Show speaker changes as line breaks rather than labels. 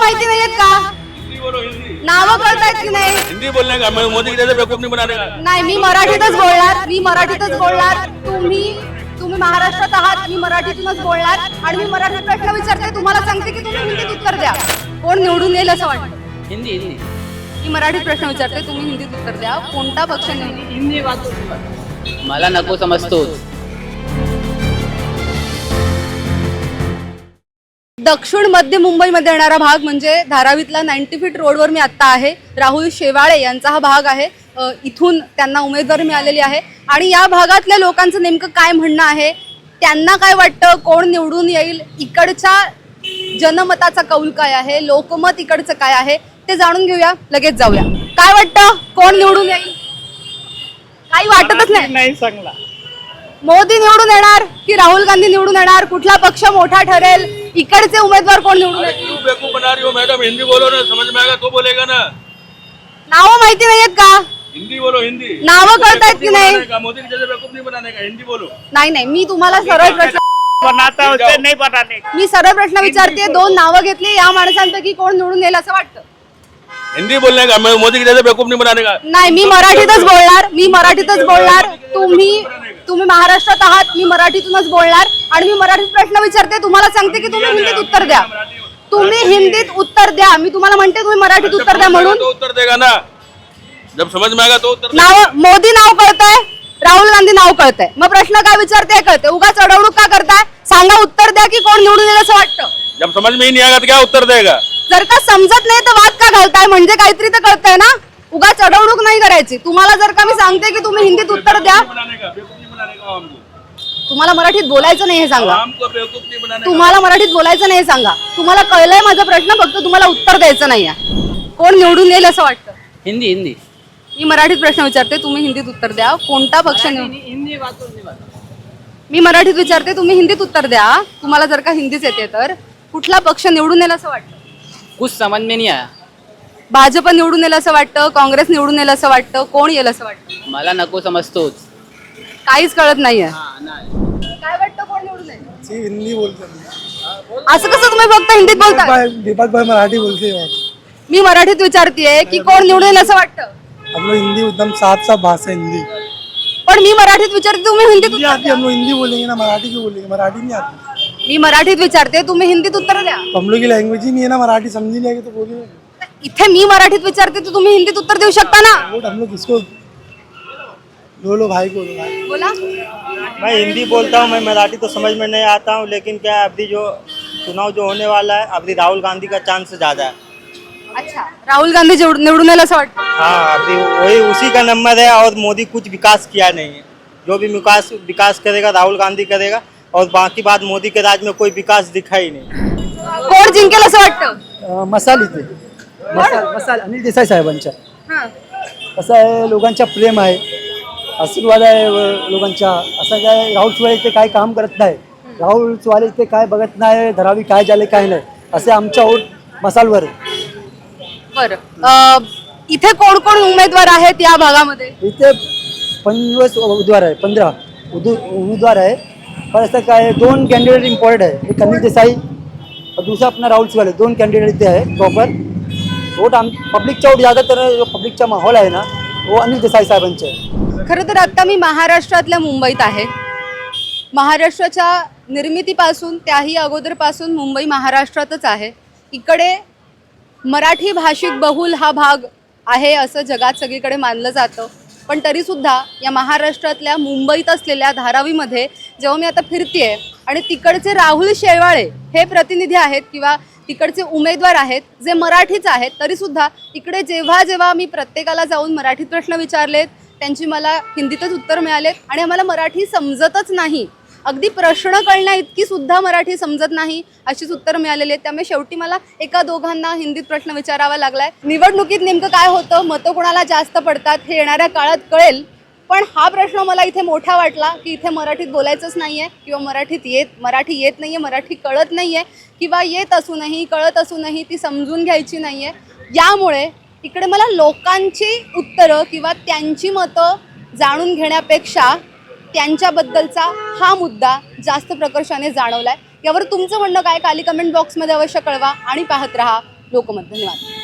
माहिती नाहीयेत का?
हिंदी बोलो हिंदी।
नावं कळतायत की नाही?
हिंदी बोलने का, मैं मोदी के जैसे बेवकूफ नहीं बनाने का।
नाही, मी मराठीतच बोलणार। तुम्ही महाराष्ट्रात आहात, मी मराठीतूनच बोलणार आणि मी मराठीत प्रश्न विचारते, तुम्हाला सांगते की तुम्ही हिंदीत उत्तर द्या. कोण निवडून येईल असं वाटतं?
हिंदी हिंदी
मी मराठीत प्रश्न विचारते, तुम्ही हिंदीत उत्तर द्या. कोणता पक्ष निवडून?
हिंदी मला नको समजतोच.
दक्षिण मध्य मुंबईमध्ये येणारा भाग म्हणजे धारावीतला 90 फीट रोडवर मी आत्ता आहे. राहुल शेवाळे यांचा हा भाग आहे. इथून त्यांना उमेदवारी मिळालेली आहे आणि या भागातल्या लोकांचं नेमकं काय म्हणणं आहे, त्यांना काय वाटतं, कोण निवडून येईल, इकडच्या जनमताचा कौल काय आहे, लोकमत इकडचं काय आहे ते जाणून घेऊया. लगेच जाऊया. काय वाटतं, कोण निवडून येईल? काही वाटतच नाही.
चांगला
मोदी निवडून येणार की राहुल गांधी निवडून येणार? कुठला पक्ष मोठा ठरेल? इकडचे उमेदवार कोण निवडून
अरे
येतील?
क्यों बेवकूफ बना रही हो मैडम, हिंदी बोलो ना, समझ में आएगा तो बोलेगा ना।
नावं माहिती नाहीयेत का?
हिंदी बोलो हिंदी।
नावं कळतायत की नाही?
मोदी के जैसे बेवकूफ नहीं बनाने का, हिंदी बोलो।
नाही, मी तुम्हाला सरळ प्रश्न
बनाता उसे नहीं बनाने का।
मी सरळ प्रश्न विचारते. दोन नावं घेतली, या माणसांपैकी कोण निवडून येईल असं वाटतं?
हिंदी बोलने का, मैं मोदी के जैसे बेवकूफ नहीं बनाने का।
नाही, मी मराठीतच बोलणार. तुम्ही महाराष्ट्रात आहात, मी मराठीतूनच बोलणार आणि मी मराठीत प्रश्न विचारते, तुम्हाला सांगते की तुम्ही हिंदीत उत्तर द्या. तुम्ही हिंदीत उत्तर द्या. मी तुम्हाला म्हणते तुम्ही मराठीत उत्तर द्या म्हणून.
तो उत्तर देगा ना, जब समझ में आएगा तो उत्तर देगा।
नाव, मोदी नाव कळतंय, राहुल गांधी नाव कळतंय, मग प्रश्न काय विचारते कळते, उगाच अडवणूक का करताय? सांगा, उत्तर द्या की कोण निवडून येईल असं वाटतं?
जब समझ में ही नहीं आएगा तो क्या उत्तर देगा?
जर का समजत नाही तर वाद का घालताय? म्हणजे काहीतरी तर कळतंय ना. उगाच अडवणूक नाही करायची. तुम्हाला जर का मी सांगते की तुम्ही हिंदीत उत्तर द्या,
बनाने का, बेवकूफ नहीं बनाने का हमको।
तुम्हाला मराठीत बोलायचं नाही हे सांगा.
हमको बेवकूफ नहीं बनाने का।
तुम्हाला मराठीत बोलायचं नाही हे सांगा. तुम्हाला कळलंय माझा प्रश्न, फक्त तुम्हाला उत्तर द्यायचं नाहीये. कोण निवडून येईल असं वाटतं?
हिंदी हिंदी
मी मराठीत प्रश्न विचारते, तुम्ही हिंदीत उत्तर द्या. कोणता पक्ष निवडून?
हिंदी
मी मराठीत विचारते, तुम्ही हिंदीत उत्तर द्या. तुम्हाला जर का हिंदीच येते तर कुठला पक्ष निवडून येईल असं वाटतं?
कुछ समझ में नहीं आया.
भाजप निवडून येईल असं वाटतं, काँग्रेस निवडून येईल असं वाटतं, कोण येईल असं वाटतं?
मला नको समजतोच.
काहीच कळत नाहीये. काय वाटतं, कोण निवडून येईल?
हिंदी बोलते
असं कसं तुम्ही फक्त हिंदीत बोलताय?
दीपक भाई मराठी बोलते हैं।
मी मराठीत विचारतेय की कोण निवडून येईल असं वाटतं?
हम लोग हिंदी एकदम साफ साफ भाषा हिंदी
पण मी मराठीत विचारते, तुम्ही हिंदीत उत्तर
आती है।
द्या.
हम लोग हिंदी बोलेंगे ना, मराठी क्यों बोलेंगे? मराठी नहीं आती।
मी मराठीत विचारते, तुम्ही हिंदीत उत्तर द्या.
हम लोग की लैंग्वेज ही नहीं है ना, मराठी समझ नहीं आएगी तो बोलिए।
इथे मी मराठीत विचारते तर तुम्ही हिंदीत उत्तर देऊ शकता ना.
वोट हम लोग किसको लो भाई को लो भाई।
बोला.
मैं हिंदी बोलता हूँ, मैं मराठी तो समझ में नहीं आता हूँ, लेकिन क्या है, अभी जो चुनाव जो होने वाला है, अभी राहुल गांधी का चांस ज़्यादा है।
अच्छा, राहुल गांधी निवडून येईल असं वाटतं?
हाँ, अभी वही उसी का नंबर है, और मोदी कुछ विकास किया नहीं है। जो भी विकास करेगा राहुल गांधी करेगा, और बाकी बात मोदी के राज में कोई विकास दिखा ही नहीं।
कोण जिंकेल असं वाटतं?
मसाल इथे मसाल अनिल देसाई साहेबांच्या.
हां.
कसं आहे, लोकांचा प्रेम आहे, आशीर्वाद आहे लोकांचा. असं काय राहुल चव्हाण इथे काय काम करत नाही, राहुल चव्हाण इथे काय बघत नाही, धरावी काय झाले काय नाही, असे आमच्या वोट मसालवर आहे.
बरं, इथे कोण कोण उमेदवार आहेत या भागामध्ये?
इथे 25 उमेदवार आहे, 15 उमेदवार आहे. पण असं काय, 2 कॅन्डिडेट इम्पॉर्टंट आहे. एक अनिल देसाई और दूसरा अपना राहुल चव्हाण. 2 कॅन्डिडेट इथे आहे प्रॉपर. वोट पब्लिकचा वोट ज़्यादातर जो पब्लिकचा माहोल आहे ना, वो अनिल देसाई साहेबांचे आहे.
खरं तर आता मी महाराष्ट्रातल्या मुंबईत आहे. महाराष्ट्राच्या निर्मितीपासून त्याही अगोदरपासून मुंबई महाराष्ट्रातच आहे. इकडे मराठी भाषिक बहुल हा भाग आहे असं जगात सगळीकडे मानलं जातं. पण तरीसुद्धा या महाराष्ट्रातल्या मुंबईत असलेल्या धारावीमध्ये जेव्हा मी आता फिरतेय आणि तिकडचे राहुल शेवाळे हे प्रतिनिधी आहेत किंवा तिकडचे उमेदवार आहेत जे मराठीच आहेत, तरीसुद्धा इकडे जेव्हा जेव्हा मी प्रत्येकाला जाऊन मराठीत प्रश्न विचारलेत, त्यांची मला हिंदीतच उत्तर मिळालेत आणि आम्हाला मराठी समजतच नाही, अगदी प्रश्न कळण्या इतकी सुद्धा मराठी समजत नाही अशीच उत्तर मिळालेली आहेत. त्यामुळे शेवटी मला एका दोघांना हिंदीत प्रश्न विचारावा लागलाय. निवडणुकीत नेमकं काय होतं, मतं कोणाला जास्त पडतात हे येणाऱ्या काळात कळेल. पण हा प्रश्न मला इथे मोठा वाटला की इथे मराठीत बोलायचंच नाही आहे किंवा मराठी येत नाही आहे, मराठी कळत नाही आहे किंवा येत असूनही कळत असूनही ती समजून घ्यायची नाही आहे. यामुळे इकडे मला लोकांची उत्तरं किंवा त्यांची मतं जाणून घेण्यापेक्षा त्यांच्याबद्दलचा हा मुद्दा जास्त प्रकर्षाने जाणवलाय. यावर तुमचं म्हणणं काय, खाली कमेंट बॉक्समध्ये अवश्य कळवा आणि पाहत रहा लोकमत. धन्यवाद.